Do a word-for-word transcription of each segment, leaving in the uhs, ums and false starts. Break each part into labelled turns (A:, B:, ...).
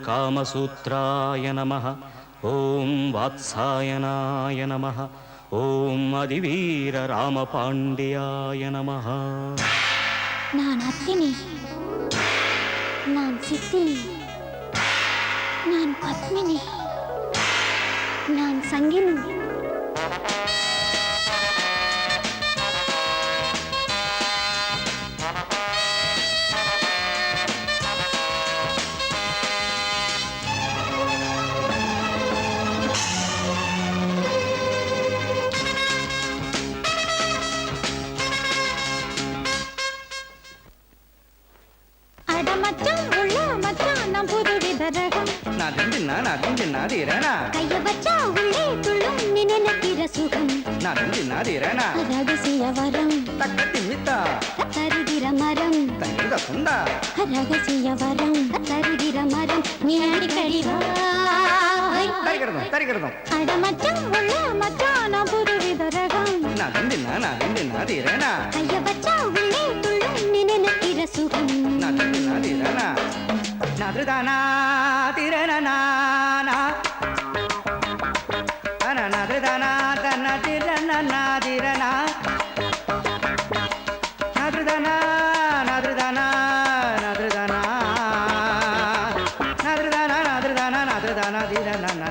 A: காமசூத்ராய நமः. ஓம் வாத்சாயனாய நமः. ஓம் அதிவீர ராமபாண்டியாய நமः.
B: நான் அத்தினி, நான் சித்தினி, நான் பத்மினி, நான் சங்கினி. கைய வச்சா உள்ளே துள்ளும் நினைக்கிற சுகம். ரகசிய வரம் தருகிற மரம். ரகசிய வரம் தருகிற மரம். நீ அடிக்கடி அடமச்சம் உள்ள மச்சான் நான் புதுவித ரகம். கைய வச்சா உள்ளே துள்ளும் நினைக்கிற சுகம்.
C: நதுதானா திரணனா நதுதானா தன திரணனா திரணா நதுதானா நதுதானா நதுதானா நதுதானா நதுதானா நதுதானா திரணனா.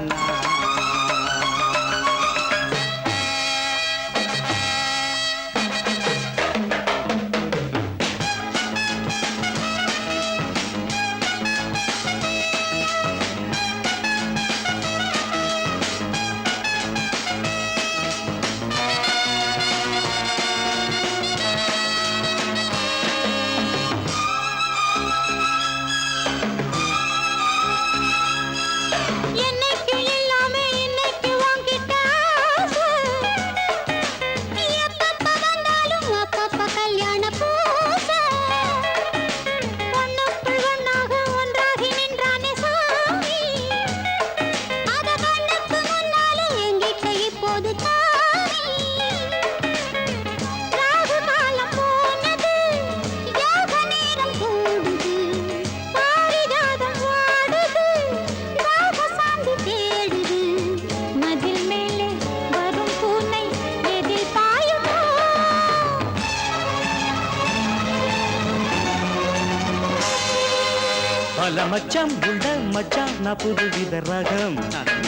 A: மச்சான் உள்ள மச்சான் நான் புதுவித ரகம்.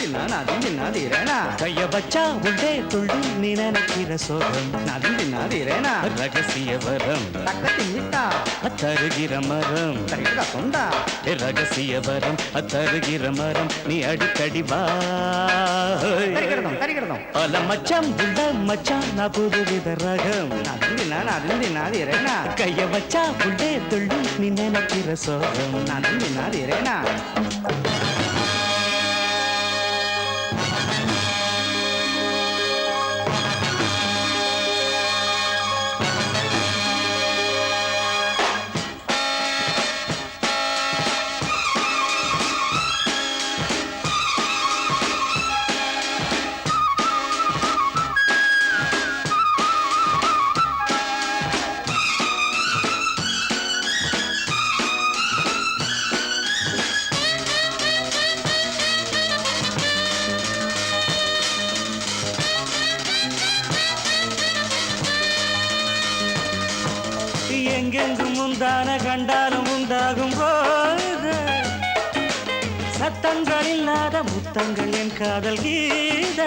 A: கைய வச்சா உள்ளே துள்ளும் நீ நினைக்கிற சோகம். ரகசிய வரம் தருகிற மரம். ரகசிய வரம் தருகிற மரம். நீ அடிக்கடி வா. பல மச்சான் உள்ள மச்சான் நான் புதுவித ரகம். கைய வச்சா உள்ளே துள்ளும் நீ நினைக்கிற சோகம்.
C: Irena.
A: எங்கெங்கும் முந்தான கண்டாலும் உண்டாகும் போது சத்தங்கள் இல்லாத முத்தங்கள் என் காதல் கீத.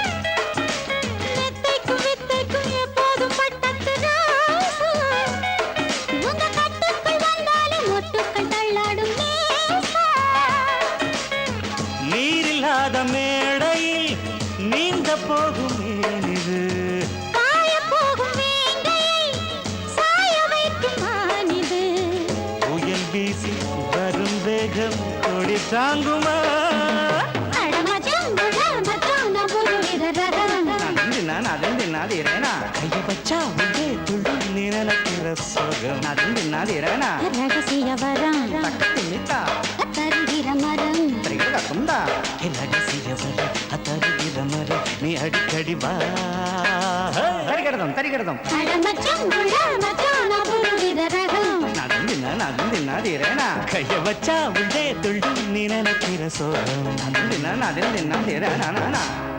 A: நீரில்லாத மேடையில் நீந்த போகும் மேனிது. வரும் வேகம் கொடி தாங்குமா. கைய வச்சா உள்ளே துள்ளும் நீ நினைக்கிற சோகம்.
B: ரகசிய வரம் தருகிற மரம்.
A: ரகசிய வரம் தருகிற மரம். நீ அடிக்கடி வா.
C: தரிகிறதும் தரிகிறதும்
B: அடமச்சம் உள்ள மச்சான் நான் புதுவித ரகம்.
C: நான் தின்னாதீரேனா
A: கைய வச்சா உள்ளே துள்ளும் நீ நினைக்கிற சோகம்
C: நான் தின்னா நான் தின்னா தீரேனா